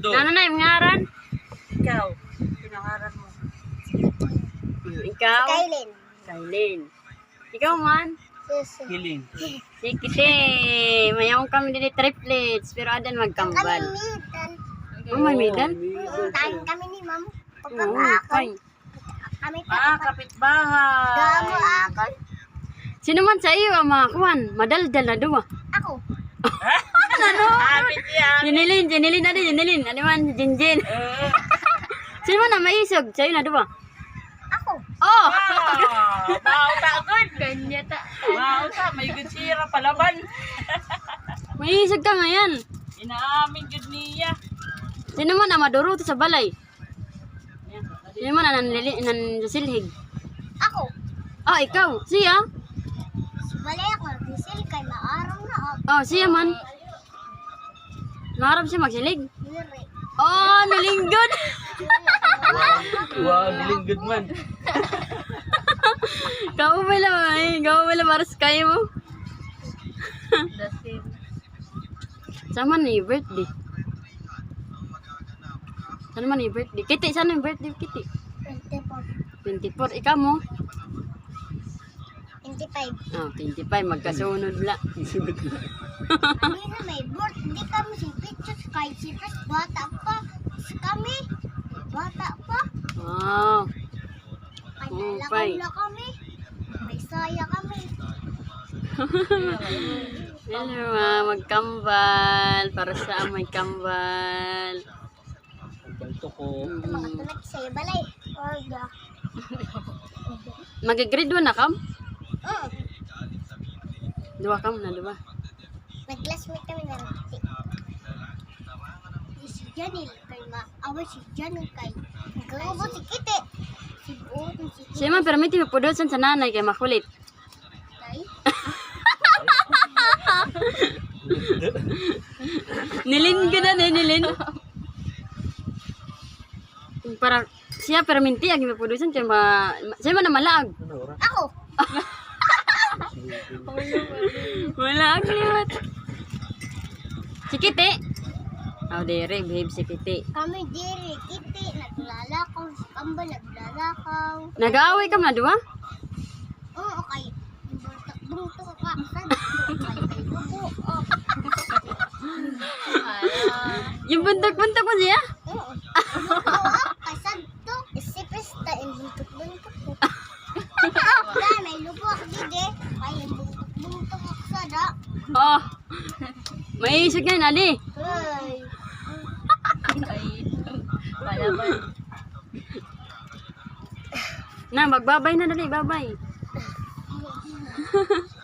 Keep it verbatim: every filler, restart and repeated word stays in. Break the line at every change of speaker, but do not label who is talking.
Mundo.
Ano na yung ngaran?
Ikaw, pinangaran mo.
Ikaw?
Kailin.
Kailin. Ikaw man?
Susu.
Hiling.
Si Kite. Mayroon kami din triplets. Pero adan magkambal.
Midan.
Oh, may midan?
Tayo kami ni ma'am.
Oo,
Pagkakakon.
fine.
Kami
Ah,
pa.
kapitbahay.
Damo akon.
Sino man sa iyo ang mga kuwan? Madaldal na duwa.
Ako.
Amin yan.
Jinilin, jinilin na din, jinilin. Ano man, jinjin.
Eh,
Sino man na maisog? Sa'yo na duwa.
Ako.
Oh!
ah, Mauta good.
Kanya ta.
Mauta, may good sira palaban.
Maisog ka ngayon.
Inaamin good niya.
Sino man na maduro to sa balay? Sino man na nanlili- nansilhig?
Ako.
Oh, ikaw. Siya?
Balay ako. Bisil kay maarong na ako.
Oh, siya man. Naharap siya magsilig.
Diri.
Oh, nalinggod.
Wow, hiling good man.
Kau mo lang ay. Kau mo lang maras kayo mo. Sama ni birthday. Sana man ni birthday. Kiti, sana yung birthday Kiti?
twenty-four.
twenty-four. Ikaw mo?
twenty-five.
Oh, twenty-five. Magkasunod la.
Kami na may birthday kami si Pichos kay si Pres bata pa. Kami. Bata pa.
Wow.
Kay
Oh,
nalakaw
fine.
na kami. May saya kami.
Hello, ah, magkambal. Para sa may kambal.
Balto ko.
Ito mga tulag sa'yo balay. Orga.
Mag-grade one na kam?
Mm.
Dua kam na, dua.
Nag-classmate kami na Rati. Si Janil kay ma-away si Janil kay Nagkaubo si Kite. Si Buong si Kite.
Siya man, permiti mo pudosan sa nanay kay makulit.
Tay.
Nilin ka na, eh, nilin. Para siya perminti ang ipapudusan kay ma... Siya man na malaag.
Ako.
Malaag liwat. Si Kite. Oh, dere, behave si Kite.
Kami diri Kite. Naglalakaw. Si Kamba naglalakaw.
Nag-aaway ka na, dua?
Oo, okay. Buntok ka. Saan? Kay kay Lugo. Oh.
Yung buntok-buntok mo siya?
Oo. Oo, kay Santo. Isipis ta yung buntok-buntok ko. Dahil may lugo ako dide. Kay yung buntok-buntok ako sada.
Oh. May isog yan, Ali.
Hey.
Na, magbabay na dali, babay.